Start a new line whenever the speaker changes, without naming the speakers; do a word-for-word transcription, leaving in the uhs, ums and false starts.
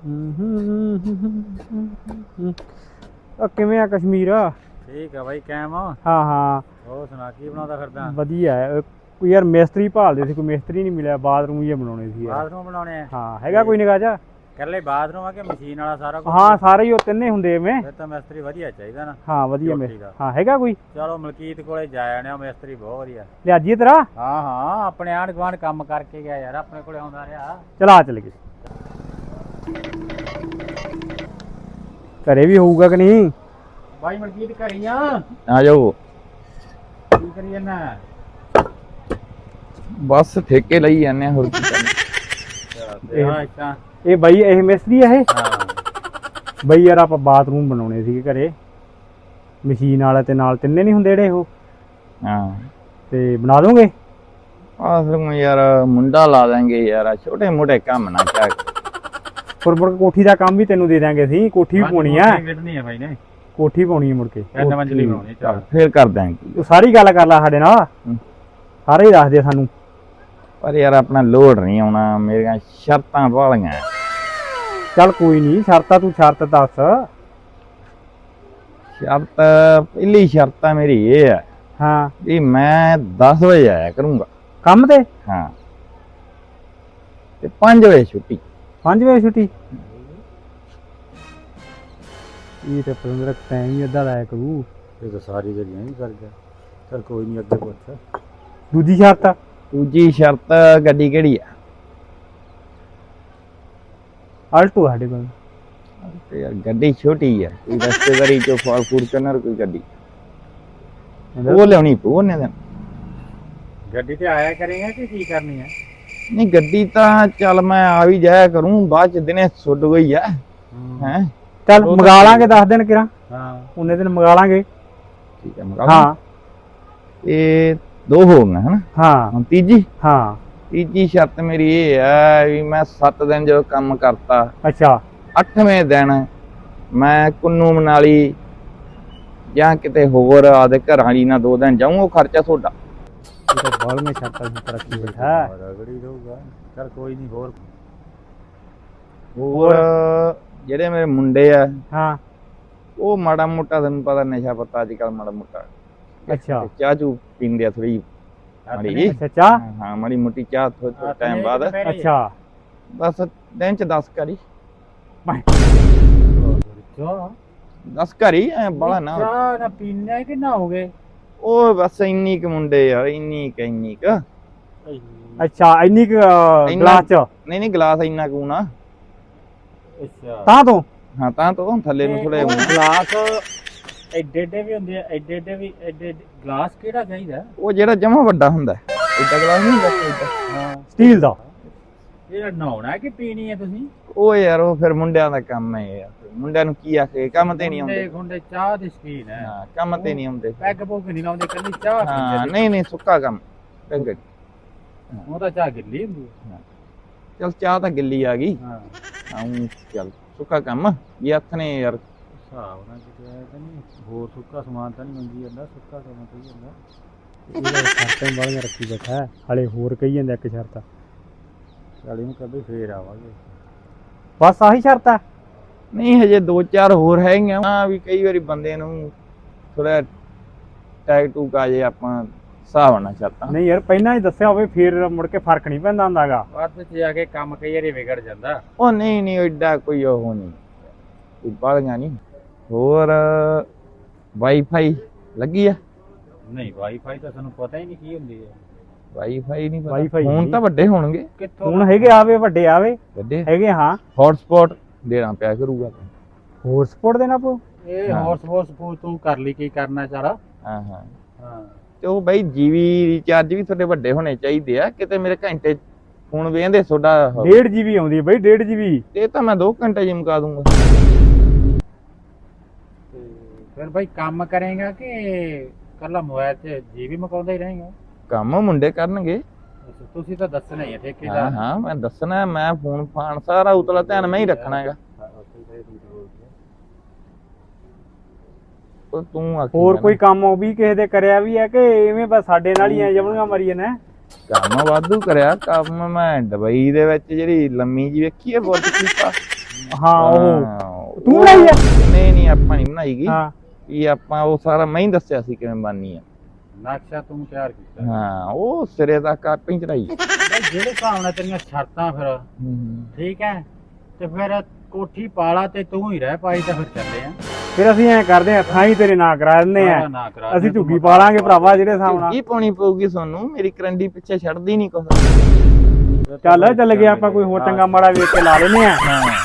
ਆ ਕਿਵੇਂ ਆ ਕਸ਼ਮੀਰ?
ਠੀਕ ਆ ਬਾਈ, ਕਾਇਮ ਆ।
ਹਾਂ ਹਾਂ,
ਹੋਰ ਸੁਣਾ, ਕੀ ਬਣਾਉਂਦਾ ਫਿਰਦਾ?
ਵਧੀਆ ਹੈ। ਕੋਈ ਯਾਰ ਮਿਸਤਰੀ ਭਾਲਦੇ ਸੀ, ਕੋਈ ਮਿਸਤਰੀ ਨਹੀਂ ਮਿਲਿਆ। ਬਾਥਰੂਮ ਹੀ ਬਣਾਉਣੇ ਸੀ ਯਾਰ।
ਬਾਥਰੂਮ ਬਣਾਉਣੇ ਆ?
ਹਾਂ, ਹੈਗਾ ਕੋਈ ਨਿਗਾਹ ਜਾ?
ਕੱਲੇ ਬਾਥਰੂਮ ਆ ਕਿ ਮਸ਼ੀਨ ਵਾਲਾ ਸਾਰਾ ਕੁਝ?
ਹਾਂ, ਸਾਰੇ ਹੀ ਉਹ ਤਿੰਨੇ ਹੁੰਦੇ ਐਵੇਂ।
ਫਿਰ ਤਾਂ ਮਿਸਤਰੀ ਵਧੀਆ ਚਾਹੀਦਾ ਨਾ।
ਹਾਂ ਵਧੀਆ ਮਿਸਤਰੀ। ਹਾਂ ਹੈਗਾ ਕੋਈ?
ਚਲੋ ਮਲਕੀਤ ਕੋਲੇ ਜਾ ਆਣੇ ਆ, ਮਿਸਤਰੀ ਬਹੁਤ ਵਧੀਆ।
ਲਿਆਜੀਏ ਤੇਰਾ?
ਹਾਂ ਹਾਂ, ਆਪਣੇ ਆਂਢ ਗੁਆਂਢ ਕੰਮ ਕਰਕੇ ਗਿਆ ਯਾਰ, ਆਪਣੇ ਕੋਲੇ ਆਉਂਦਾ ਰਿਹਾ।
ਚਲ ਆ ਚੱਲ ਗਏ। ਘਰੇ ਵੀ ਹੋਊਗਾ ਕਿ ਨਹੀਂ?
ਬਾਈ ਮਲਕੀਤ ਘਰੇ ਆ?
ਆ ਜਾਓ।
ਕੀ ਕਰੀ ਜਾਂਦਾ?
ਬਸ ਠੇਕੇ ਲਈ ਜਾਂਦੇ ਆ, ਹੋਰ ਕੀ ਕਰਨਾ।
ਇਹ ਬਾਈ ਇਹ ਮਿਸਤਰੀ ਆ ਇਹ?
ਹਾਂ
ਬਈ ਯਾਰ ਆਪਾਂ ਬਾਥਰੂਮ ਬਣਾਉਣੇ ਸੀਗੇ ਘਰੇ, ਮਸ਼ੀਨ ਵਾਲੇ ਤੇ ਨਾਲ ਤਿੰਨੇ ਨਹੀਂ ਹੁੰਦੇ ਜਿਹੜੇ ਉਹ?
ਹਾਂ
ਤੇ ਬਣਾ ਦੋਗੇ?
ਆਹ ਯਾਰ ਮੁੰਡਾ ਲਾ ਦਾਂਗੇ ਯਾਰ, ਛੋਟੇ ਮੋਟੇ ਕੰਮ ਨਾ ਕਿਆ।
ਫਿਰ ਮੁੜ ਕੇ ਕੋਠੀ ਦਾ ਕੰਮ ਵੀ ਤੈਨੂੰ ਦੇ ਦਾਂਗੇ ਅਸੀਂ। ਕੋਠੀ ਵੀ ਪਾਉਣੀ ਆ।
ਕਿੱਡਣੀ ਆ ਬਾਈ ਨੇ?
ਕੋਠੀ ਪਾਉਣੀ ਆ ਮੁੜ ਕੇ।
ਤਿੰਨ ਮੰਜ਼ਲੀ ਬਣਾਉਣੀ। ਚੱਲ
ਫੇਰ ਕਰ ਦਾਂਗੇ।
ਤੂੰ ਸਾਰੀ ਗੱਲ ਕਰ ਲੈ ਸਾਡੇ ਨਾਲ, ਸਾਰੇ ਹੀ ਦੱਸ ਦੇ ਸਾਨੂੰ।
ਪਰ ਯਾਰ ਆਪਣਾ ਲੋਡ ਨਹੀਂ ਆਉਣਾ, ਮੇਰੀਆਂ ਸ਼ਰਤਾਂ ਵਾਲੀਆਂ।
ਚੱਲ ਕੋਈ ਨਹੀਂ, ਸ਼ਰਤਾਂ ਤੂੰ ਸ਼ਰਤ ਦੱਸ।
ਸ਼ਰਤ ਪਹਿਲੀ ਸ਼ਰਤ ਮੇਰੀ ਇਹ ਹੈ
ਹਾਂ
ਵੀ ਮੈਂ ਦਸ ਵਜੇ ਆਇਆ ਕਰੂੰਗਾ
ਕੰਮ ਤੇ।
ਹਾਂ, ਤੇ ਪੰਜ ਵਜੇ ਛੁੱਟੀ।
ਪੰਜ ਵਜੇ ਛੁੱਟੀ? ਇਹ ਤੇ ਪੰਦਰਾਂ ਟਾਈਮ ਹੀ ਅੱਧਾ ਲਾਇਆ ਕਰੂ।
ਇਹ ਤਾਂ ਸਾਰੀ ਜਿਹੜੀ ਨਹੀਂ ਕਰ ਗਿਆ। ਚਲ ਕੋਈ ਨਹੀਂ, ਅੱਗੇ ਪੁੱਛ।
ਦੂਜੀ ਸ਼ਰਤ?
ਦੂਜੀ ਸ਼ਰਤ ਗੱਡੀ ਕਿਹੜੀ ਆ?
ਆਲਟੋ ਸਾਡੇ ਕੋਲ।
ਤੇ ਯਾਰ ਗੱਡੀ ਛੋਟੀ ਆ, ਕੋਈ ਰਸਤੇਦਾਰੀ ਚੋਂ ਫਾਰ ਫੂਰਚੂਨਰ ਕੋਈ ਗੱਡੀ ਉਹ ਲਿਆਉਣੀ ਪਊ ਉਹਨੇ ਦਿਨ।
ਗੱਡੀ ਤੇ ਆਇਆ ਕਰੇਗਾ ਕਿ ਕੀ ਕਰਨੀ ਹੈ?
ਨਹੀਂ ਗੱਡੀ ਤਾਂ ਚੱਲ ਮੈਂ ਆ ਵੀ ਜਾਇਆ ਕਰੂੰ, ਬਾਅਦ ਚ ਦਿਨੇ ਸੁੱਟ ਗਈ ਆ ਹੈ।
ਚੱਲ ਮੰਗਾ ਲਾਂਗੇ ਦਸ ਦਿਨ ਕਿਰਾਂ।
ਹਾਂ
ਉਹਨੇ ਦਿਨ ਮੰਗਾ ਲਾਂਗੇ।
ਠੀਕ ਹੈ ਮੰਗਾ।
ਹਾਂ
ਇਹ ਦੋ ਹੋ ਗਈਆਂ ਹਨਾ।
ਹਾਂ
ਹੁਣ ਤੀਜੀ?
ਹਾਂ
ਤੀਜੀ ਸ਼ਰਤ ਮੇਰੀ ਇਹ ਹੈ ਵੀ ਮੈਂ ਸੱਤ ਦਿਨ ਜਦੋਂ ਕੰਮ ਕਰਤਾ,
ਅੱਛਾ,
ਅੱਠਵੇਂ ਦਿਨ ਮੈਂ ਕੁੰਨੂ ਮਨਾਲੀ ਜਾਂ ਕਿਤੇ ਹੋਰ ਆਦੇ ਘਰ ਵਾਲੀ ਨਾਲ ਦੋ ਦਿਨ ਜਾਊਂ, ਉਹ ਖਰਚਾ ਤੁਹਾਡਾ।
ਇਹ ਤਾਂ ਬਾਲਵੇਂ ਸ਼ਰਤਾਂ ਦੀ ਤਰੱਕੀ ਬੈਠਾ।
ਰਗੜੀ ਰਹੂਗਾ। ਚਲ ਕੋਈ ਨਹੀਂ। ਹੋਰ
ਹੋਰ ਜਿਹੜੇ ਮੇਰੇ ਮੁੰਡੇ ਆ,
ਹਾਂ
ਉਹ ਮਾੜਾ ਮੋਟਾ ਤੈਨੂੰ ਪਤਾ ਨਸ਼ਾ ਪੱਤਾ ਅੱਜ ਕੱਲ ਮਾੜਾ ਮੋਟਾ।
ਅੱਛਾ
ਚਾਹ ਚੂ ਪੀਂਦੇ ਆ ਥੋੜੀ ਮਾੜੀ।
ਅੱਛਾ ਚਾਹ?
ਹਾਂ ਮਾੜੀ ਮੋਟੀ ਚਾਹ ਥੋੜੇ ਟਾਈਮ ਬਾਅਦ।
ਅੱਛਾ
ਬਸ ਦਿਨ ਚ ਦਸ ਕਰੀ।
ਚਾਹ
ਦਸ ਕਰੀ ਐ ਬੜਾ ਨਾ।
ਚਾਹ ਨਾ ਪੀਣਾ ਕਿ ਨਾ ਹੋ ਗਏ?
ਉਹ ਬਸ ਇੰਨੀ ਕੁ ਮੁੰਡੇ ਯਾਰ, ਇੰਨੀ ਕੁ ਇੰਨੀ ਕੁ।
ਅੱਛਾ ਇੰਨੀ ਕੁ ਗਲਾਸ ਚ?
ਨਹੀਂ ਨਹੀਂ ਗਲਾਸ ਇੰਨਾ ਕੁ ਨਾ।
ਅੱਛਾ
ਤਾਂ ਤੋਂ?
ਹਾਂ ਤਾਂ ਤੋਂ ਥੱਲੇ ਨੂੰ ਥੋੜੇ
ਗਲਾਸ ਐਡੇ ਐਡੇ ਵੀ ਹੁੰਦੇ ਆ, ਐਡੇ ਐਡੇ ਵੀ ਐਡੇ ਗਲਾਸ ਕਿਹੜਾ ਚਾਹੀਦਾ?
ਉਹ ਜਿਹੜਾ ਜਮਾ ਵੱਡਾ ਹੁੰਦਾ ਏਡਾ ਗਲਾਸ ਨਹੀਂ ਹੁੰਦਾ ਏਡਾ।
ਹਾਂ
ਸਟੀਲ ਦਾ?
ਇਹ ਨਹਾਉਣਾ ਕਿ ਪੀਣੀ ਹੈ ਤੁਸੀਂ?
ਉਹ ਯਾਰ ਉਹ ਫਿਰ ਮੁੰਡਿਆਂ ਦਾ ਕੰਮ ਹੈ ਯਾਰ, ਮੁੰਡਿਆਂ ਨੂੰ ਕੀ ਆਖੇ, ਕੰਮ ਤੇ ਨਹੀਂ ਆਉਂਦੇ।
ਗੁੰਡੇ ਚਾਹ ਦੇ ਸ਼ਕੀਨ ਹੈ।
ਹਾਂ ਕੰਮ ਤੇ ਨਹੀਂ ਆਉਂਦੇ।
ਪੈਗ ਪੁੱਗ ਨਹੀਂ ਲਾਉਂਦੇ, ਕੱਲੀ ਚਾਹ
ਹਾਂ
ਪੀਂਦੇ।
ਨਹੀਂ ਨਹੀਂ ਸੁੱਕਾ ਕੰਮ। ਚੰਗਾ
ਉਹ ਤਾਂ ਚਾਹ ਗਿੱਲੀ ਹੁੰਦੀ ਹੈ।
ਚਲ ਚਾਹ ਤਾਂ ਗਿੱਲੀ ਆ ਗਈ।
ਹਾਂ
ਹਾਂ ਚੱਲ ਸੁੱਕਾ ਕੰਮ ਇਹ ਹੱਥ ਨੇ ਯਾਰ।
ਹਿਸਾਬ ਨਾਲ ਕਿਤੇ ਆਇਆ ਤਾਂ ਨਹੀਂ, ਹੋਰ ਸੁੱਕਾ ਸਮਾਨ ਤਾਂ ਨਹੀਂ ਮੰਗੀ ਜਾਂਦਾ, ਸੁੱਕਾ ਕੰਮ ਕਹੀ ਜਾਂਦਾ।
ਇਹਦਾ ਸ਼ਰਤਾਂ ਬਾਲੀਆਂ ਰੱਖੀ ਬੈਠਾ। ਹਲੇ ਹੋਰ ਕਹੀ ਜਾਂਦਾ ਇੱਕ ਸ਼ਰਤ।
ਚੱਲ ਇਹਨੂੰ ਕਦੇ ਫੇਰ ਆਵਾਂਗੇ।
ਬਸ ਆਹੀ ਸ਼ਰਤ ਆ?
ਨਹੀਂ ਹਜੇ ਦੋ ਚਾਰ ਹੋਰ ਹੈਗੀਆਂ। ਹਾਂ ਵੀ ਕਈ ਵਾਰੀ ਬੰਦੇ ਨੂੰ ਥੋੜਾ ਟੈਗ ਟੂਕ ਆ ਜੇ, ਆਪਾਂ ਹਿਸਾਬ ਨਾਲ ਸ਼ਰਤਾਂ।
ਨਹੀਂ ਯਾਰ ਪਹਿਲਾਂ ਹੀ ਦੱਸਿਆ ਹੋਵੇ ਫਿਰ ਮੁੜ ਕੇ ਫਰਕ ਨਹੀਂ ਪੈਂਦਾ ਹੁੰਦਾਗਾ।
ਬਾਅਦ ਵਿੱਚ ਜਾ ਕੇ ਕੰਮ ਕਈ ਵਾਰੀ ਵਿਗੜ ਜਾਂਦਾ।
ਉਹ ਨਹੀਂ ਨਹੀਂ ਐਡਾ ਕੋਈ ਉਹ ਨਹੀਂ, ਕੋਈ ਬਾਲੀਆਂ ਨਹੀਂ। ਹੋਰ ਵਾਈਫਾਈ ਲੱਗੀ ਆ?
ਨਹੀਂ ਵਾਈਫਾਈ ਤਾਂ ਸਾਨੂੰ ਪਤਾ ਹੀ ਨਹੀਂ ਕੀ ਹੁੰਦੀ ਹੈ।
ਵਾਈਫਾਈ ਨਹੀਂ ਪਤਾ।
Wi-Fi
ਹੁਣ
ਨਹੀਂ।
ਤਾਂ ਵੱਡੇ ਹੋਣਗੇ।
ਕਿੱਥੋਂ
ਹੁਣ ਹੈਗੇ ਆਵੇ, ਵੱਡੇ ਆਵੇ
ਵੱਡੇ
ਹੈਗੇ। ਹਾਂ
ਹੌਟਸਪੌਟ ਦੇਣਾ ਪਿਆ ਕਰੂਗਾ।
ਹੋਰ ਸਪੋਰਟ ਦੇਣਾ ਪਊ?
ਇਹ ਹੌਰਸ ਹੌਰਸ ਪੂ ਤੂੰ ਕਰ ਲਈ, ਕੀ ਕਰਨਾ ਚਾਰਾ।
ਹਾਂ ਹਾਂ
ਹਾਂ
ਤੇ ਉਹ ਬਾਈ ਜੀਵੀ ਰੀਚਾਰਜ ਵੀ ਤੁਹਾਡੇ ਵੱਡੇ ਹੋਣੇ ਚਾਹੀਦੇ ਆ। ਕਿਤੇ ਮੇਰੇ ਘੰਟੇ ਫੋਨ ਵੇਂਦੇ ਤੁਹਾਡਾ
ਡੇਢ ਜੀਬੀ ਆਉਂਦੀ ਹੈ ਬਈ, ਡੇਢ ਜੀਬੀ।
ਤੇ ਤਾਂ ਮੈਂ ਦੋ ਘੰਟੇ ਚ ਮੁਕਾ ਦੂੰਗਾ।
ਤੇ ਫਿਰ ਭਾਈ ਕੰਮ ਕਰੇਗਾ ਕਿ ਕੱਲਾ ਮੋਬਾਈਲ 'ਚ ਜੀਬੀ ਮਕਾਉਂਦਾ ਹੀ ਰਹੇਗਾ?
ਕੰਮ ਮੁੰਡੇ ਕਰਨਗੇ।
ਅੱਛਾ ਤੁਸੀਂ ਤਾਂ ਦੱਸਣਾ ਹੀ ਹੈ
ਹਾਂ
ਠੇਕੇਦਾਰ।
ਹਾਂ ਮੈਂ ਦੱਸਣਾ, ਮੈਂ ਫੋਨ ਫਾਨ ਸਾਰਾ ਉਤਲਾ ਧਿਆਨ ਮੈਂ ਹੀ ਰੱਖਣਾ ਹੈਗਾ। ਉਹ ਤੂੰ ਆਖੀ
ਹੋਰ
ਜਾਣਾ।
ਕੋਈ ਕੰਮ ਉਹ ਵੀ ਕਿਸੇ ਦੇ ਕਰਿਆ ਵੀ ਹੈ ਕਿ ਐਵੇਂ ਬਸ ਸਾਡੇ ਨਾਲ ਹੀ ਐ ਜਮਣੀਆਂ ਮਰੀਆਂ ਨੇ?
ਕੰਮ ਵਾਧੂ ਕਰਿਆ। ਕੰਮ ਮੈਂ ਦੁਬਈ ਦੇ ਵਿੱਚ ਜਿਹੜੀ ਲੰਮੀ ਜੀ ਵੇਖੀ ਹੈ ਬੁਰਜ ਖਲੀਫਾ,
ਹਾਂ ਉਹ
ਹਾਂ,
ਤੂੰ ਬਣਾਈ ਆ?
ਨਹੀਂ ਨਹੀਂ ਆਪਾਂ ਨਹੀਂ ਬਣਾਈ ਗਈ
ਹਾਂ
ਵੀ ਆਪਾਂ ਉਹ ਸਾਰਾ ਮੈਂ ਹੀ ਦੱਸਿਆ ਸੀ ਕਿਵੇਂ ਬਣਨੀ ਆ।
ਨਕਸ਼ਾ ਤੂੰ ਤਿਆਰ ਕੀਤਾ
ਹਾਂ ਉਹ ਸਿਰੇ ਤੱਕ ਆਪੇ ਹੀ ਚੜਾਈ।
ਬਈ ਜਿਹੜੇ ਹਿਸਾਬ ਨਾਲ ਤੇਰੀਆਂ ਸ਼ਰਤਾਂ ਫਿਰ ਠੀਕ ਹੈ ਤੇ ਫਿਰ ਕੋਠੀ ਪਾਲਾ ਤੇ ਤੂੰ ਹੀ ਰਹਿ ਪਾਈ ਤਾਂ ਫਿਰ ਚੱਲੇ ਆ।
ਫਿਰ ਅਸੀਂ ਐ ਕਰਦੇ ਆ ਥਾਂ ਹੀ ਤੇਰੇ ਨਾਂ ਕਰਾ ਦਿੰਦੇ ਆ,
ਸਾਰਾ ਨਾ ਕਰਾ
ਅਸੀਂ
ਦੇ,
ਝੁੱਗੀ ਪਾ ਲਾਂਗੇ ਭਰਾਵਾ ਜਿਹੜੇ ਹਿਸਾਬ ਨਾਲ।
ਕੀ ਪਾਉਣੀ ਪਊਗੀ ਤੁਹਾਨੂੰ, ਮੇਰੀ ਕਰੰਡੀ ਪਿੱਛੇ ਛੱਡਦੀ ਨਹੀਂ ਕੁਛ।
ਚੱਲ ਚੱਲ ਗਿਆ ਆਪਾਂ ਕੋਈ ਹੋਰ ਚੰਗਾ ਮਾੜਾ ਵੇਖ ਕੇ ਲਾ ਲੈਨੇ ਆ।
ਹਾਂ